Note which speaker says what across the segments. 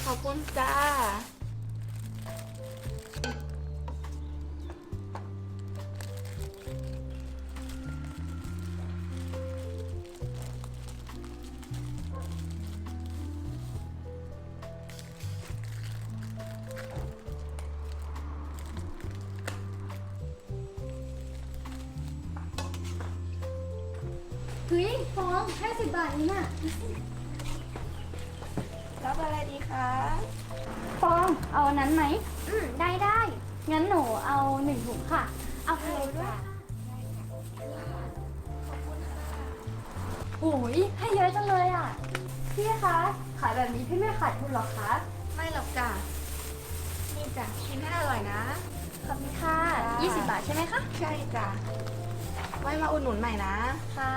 Speaker 1: ขอบคุณจ้า
Speaker 2: เฮ้ยฟอง50 บาทนี่น่ะ
Speaker 1: รับอะไรดีคะ
Speaker 2: ฟองเอาอันนั้นไหมได้งั้นหนูเอา1 ถุงค่ะเอาไปเลยด้วยโอ้ยให้เยอะจังเลยอ่ะพี่คะขายแบบนี้พี่ไม่ขาดทุนหรอคะ
Speaker 1: ไม่หรอกจ้ะนี่จ้ะกินให้อร่อยนะ
Speaker 2: ขอบคุณค่ะ20 บาทใช่ไหมคะ
Speaker 1: ใช่จ้ะไว้มาอุดหนุนใหม่นะ
Speaker 2: ค่ะ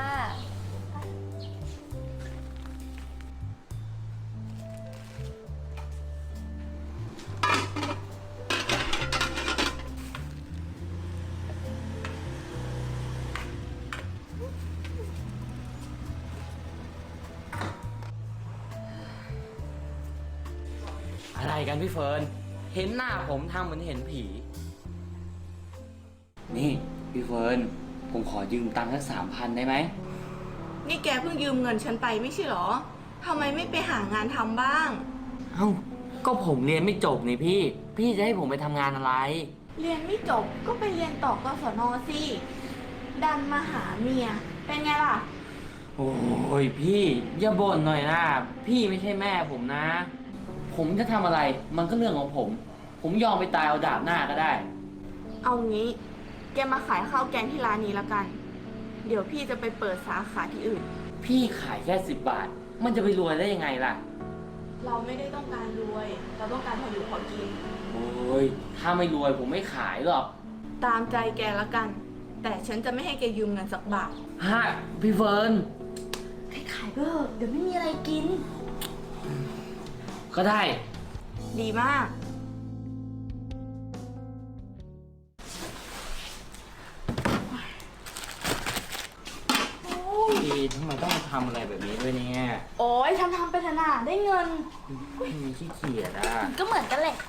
Speaker 3: อะไรกันพี่เฟิร์น เห็นหน้าผมทำเหมือนเห็นผี นี่พี่เฟิร์น ผมขอยืมตังค์สัก3,000ได้ไหม
Speaker 1: นี่แกเพิ่งยืมเงินฉันไปไม่ใช่หรอทำไมไม่ไปหางานทำบ้าง
Speaker 3: เอ้า ก็ผมเรียนไม่จบนี่พี่ พี่จะให้ผมไปทำงานอะไร
Speaker 1: เรียนไม่จบก็ไปเรียนต่อกศนสิดันมาหาเมียเป็นไงล่ะ
Speaker 3: โอ้ยพี่อย่าบ่นหน่อยนะ พี่ไม่ใช่แม่ผมนะ ผมจะทำอะไร มันก็เรื่องของผม ผมยอมไปตายเอาดาบหน้าก็ได้
Speaker 1: เอางี้ แกมาขายข้าวแกงที่ร้านนี้แล้วกัน เดี๋ยวพี่จะไปเปิดสาขาที่อื่น
Speaker 3: พี่ขายแค่10 บาท มันจะไปรวยได้ยังไงล่ะ
Speaker 1: เราไม่ได้ต้องการรวย เราต้องการพออยู่พอกิน
Speaker 3: โอ้ย ถ้าไม่รวยผมไม่ขายหรอก
Speaker 1: ตามใจแกละกัน แต่ฉันจะไม่ให้แกยืมเงินสักบาท
Speaker 3: ฮะพี่เฟิร์น
Speaker 2: ขายก็เดี๋ยวไม่มีอะไรกิน
Speaker 3: ก็ได้
Speaker 1: ดีมาก
Speaker 3: พี่ทำไมต้องมาทำอะไรแบบนี้ด้วยเนี่ย
Speaker 2: โอ้ยทำไปเถอะนะได้เงิน
Speaker 3: มีขี้เกียจอ่ะ
Speaker 2: ก็เหมือนกันแหละ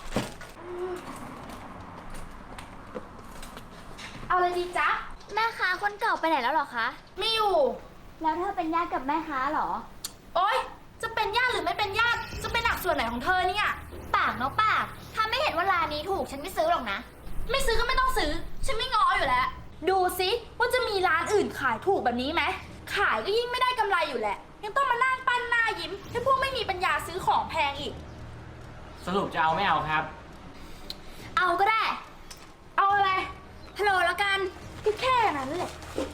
Speaker 2: เอาเลยดีจ๊ะ แม่ค้าคนเก่าไปไหนแล้วหรอคะ
Speaker 4: ไม่อยู่
Speaker 2: แล้วเธอเป็นญาติกับแม่ค้าเหรอ
Speaker 4: โอ๊ย จะเป็นญาติหรือไม่เป็นญาติ จะเป็นหนักส่วนไหนของเธอเนี่ย
Speaker 2: ปากเนาะปาก ถ้าไม่เห็นว่าร้านนี้ถูกฉันไม่ซื้อหรอกนะ
Speaker 4: ไม่ซื้อก็ไม่ต้องซื้อ ฉันไม่ง้ออยู่แล้ว ดูสิว่าจะมีร้านอื่นขายถูกแบบนี้ไหม ขายก็ยิ่งไม่ได้กำไรอยู่แหละ ยังต้องมานั่งปั้นหน้ายิ้มให้พวกไม่มีปัญญาซื้อของแพงอีก
Speaker 3: สรุปจะเอาไม่เอาครับ
Speaker 4: เอาก็ได้ เอาอะไรฮัลโหลแล้วกันก็แค่นั้นแหละ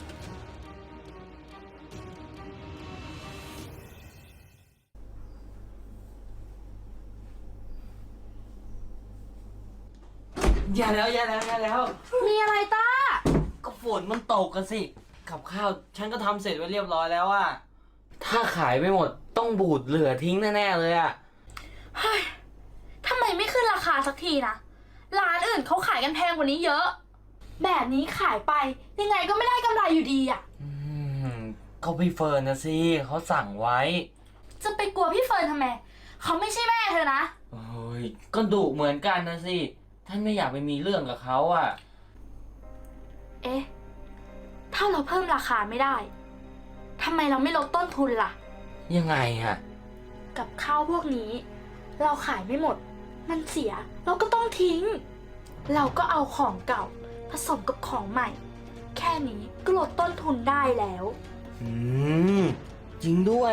Speaker 3: อย่าแล้วอย่าแล้วอย่าแล้ว
Speaker 4: มีอะไรต้า
Speaker 3: ก็ฝนมันตกกันสิ กับข้าวฉันก็ทำเสร็จไว้เรียบร้อยแล้วอะถ้าขายไม่หมดต้องบูดเหลือทิ้งแน่ๆเลยอะ
Speaker 4: เฮ้ยทำไมไม่ขึ้นราคาสักทีนะ ร้านอื่นเขาขายกันแพงกว่านี้เยอะ แบบนี้ขายไปยังไงก็ไม่ได้กำไรอยู่ดีอ่ะ
Speaker 3: ก็พี่เฟิร์นนะสิเขาสั่งไว้
Speaker 4: จะไปกลัวพี่เฟิร์นทำไม เขาไม่ใช่แม่เธอนะ
Speaker 3: โอ้ยก็ดุเหมือนกันนะสิท่านไม่อยากไปมีเรื่องกับเขาอะ
Speaker 4: เอ๊ะ ถ้าเราเพิ่มราคาไม่ได้ ทำไมเราไม่ลดต้นทุนล่ะ
Speaker 3: ยังไงอะ
Speaker 4: กับข้าวพวกนี้ เราขายไม่หมด มันเสีย เราก็ต้องทิ้ง เราก็เอาของเก่า ผสมกับของใหม่ แค่นี้ก็ลดต้นทุนได้แล้ว
Speaker 3: อืมจริงด้วย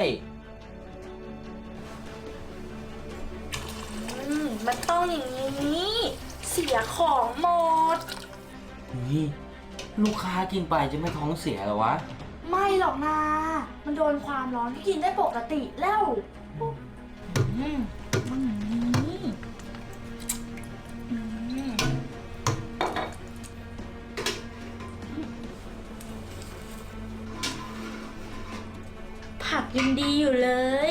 Speaker 4: มันต้องอย่างนี้ เสียของหมด
Speaker 3: นี่ลูกค้ากินไปจะไม่ท้องเสียเหรอวะ
Speaker 4: ไม่หรอกนะมันโดนความร้อนที่กินได้ปกติแล้วมันอย่างนี้ผักยังดีอยู่เลย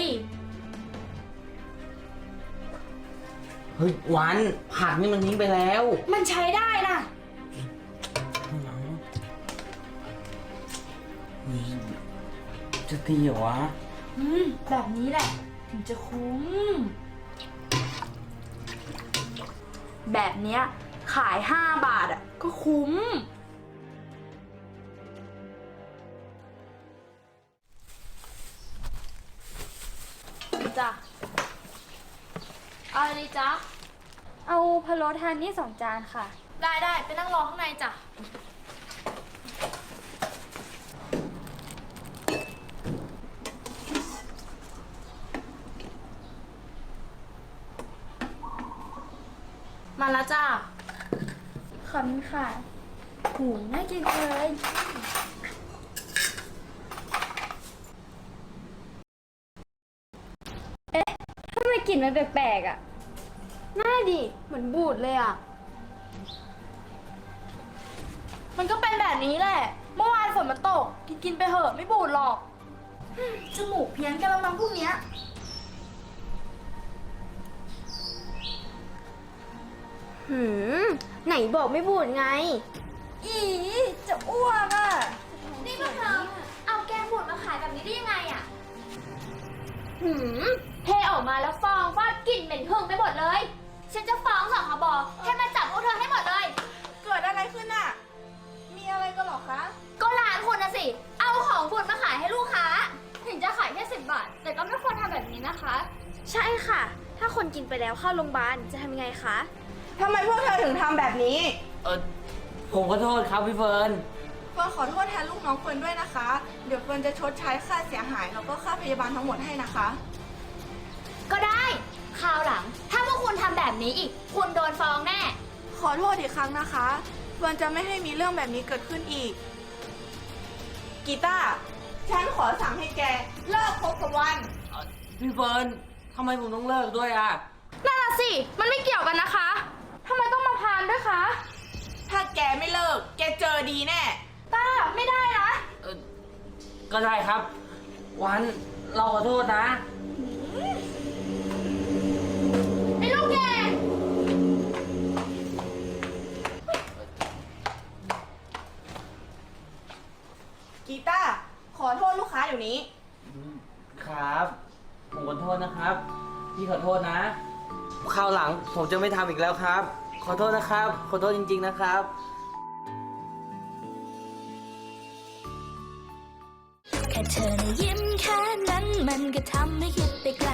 Speaker 3: เฮ้ยวันผักนี่มันทิ้งไปแล้ว
Speaker 4: มันใช้ได้นะ
Speaker 3: จะตีเหรอวะ
Speaker 4: แบบนี้แหละ ถึงจะคุ้มแบบเนี้ยขาย5 บาทอ่ะก็คุ้มจ้ะเอาอะไรจ๊ะ
Speaker 2: เอาพะโล้ทานนี่2 จานค่ะ
Speaker 4: ได้ไปนั่งรอข้างในจ้ะ มาแล้วจ้า
Speaker 2: ขอบคุณค่ะหูน่ากินจังเลยเอ๊ะทำไมกลิ่นมันแปลกๆอ่ะ
Speaker 1: น่าดิเหมือนบูดเลยอ่ะ
Speaker 4: มันก็เป็นแบบนี้แหละ เมื่อวานฝนมันตก กินไปเหอะไม่บูดหรอกจมูกเพี้ยนกันแล้วมั้งพวกเนี้ย
Speaker 1: ไหนบอกไม่บูดไง
Speaker 2: อีจะอ้วกอ่ะ
Speaker 5: นี่พวกเธอเอาแกงบูดมาขายแบบนี้ได้ยังไงอะเทออกมาแล้วฟองฟาดกลิ่นเหม็นหึ่งไปหมดเลย ฉันจะฟ้องสคบให้มาจับพวกเธอให้หมดเลย
Speaker 1: เกิดอะไรขึ้นอ่ะ มีอะไรกันหรอคะ
Speaker 5: ก็ร้านคุณนะสิ เอาของบูดมาขายให้ลูกค้า ถึงจะขายแค่10 บาท แต่ก็ไม่ควรทำแบบนี้นะคะ
Speaker 2: ใช่ค่ะ ถ้าคนกินไปแล้วเข้าโรงพยาบาลจะทำยังไงคะ
Speaker 1: ทำไมพวกเธอถึงทำแบบนี้
Speaker 3: ผมขอโทษครับพี่เฟิร์น
Speaker 1: เฟิร์นขอโทษแทนลูกน้องเฟิร์นด้วยนะคะ เดี๋ยวเฟิร์นจะชดใช้ค่าเสียหายแล้วก็ค่าพยาบาลทั้งหมดให้นะคะ
Speaker 5: ก็ได้ คราวหลัง ถ้าพวกคุณทำแบบนี้อีก คุณโดนฟ้องแน่
Speaker 1: ขอโทษอีกครั้งนะคะ เฟิร์นจะไม่ให้มีเรื่องแบบนี้เกิดขึ้นอีก กีตาร์ฉันขอสั่งให้แกเลิกคบกับวัน
Speaker 3: พี่เฟิร์นทำไมผมต้องเลิกด้วยอ่ะ
Speaker 4: นั่นน่ะสิ มันไม่เกี่ยวกันนะคะ ทำไมต้องมาพานด้วยคะ
Speaker 1: ถ้าแกไม่เลิก แกเจอดีแน่
Speaker 4: ต้า ไม่ได้นะ
Speaker 3: ก็ได้ครับ วันเราขอโทษนะ
Speaker 4: ไอ้ลูกแก
Speaker 1: กีตาร์ขอโทษลูกค้าเดี๋ยวนี้
Speaker 3: ครับ ผมขอโทษนะครับ พี่ขอโทษนะคราวหลังผมจะไม่ทำอีกแล้วครับ ขอโทษนะครับ ขอโทษจริงๆนะครับ
Speaker 6: แค่เธอนะยิ้มแค่นั้นมันก็ทำให้คิดไปไกล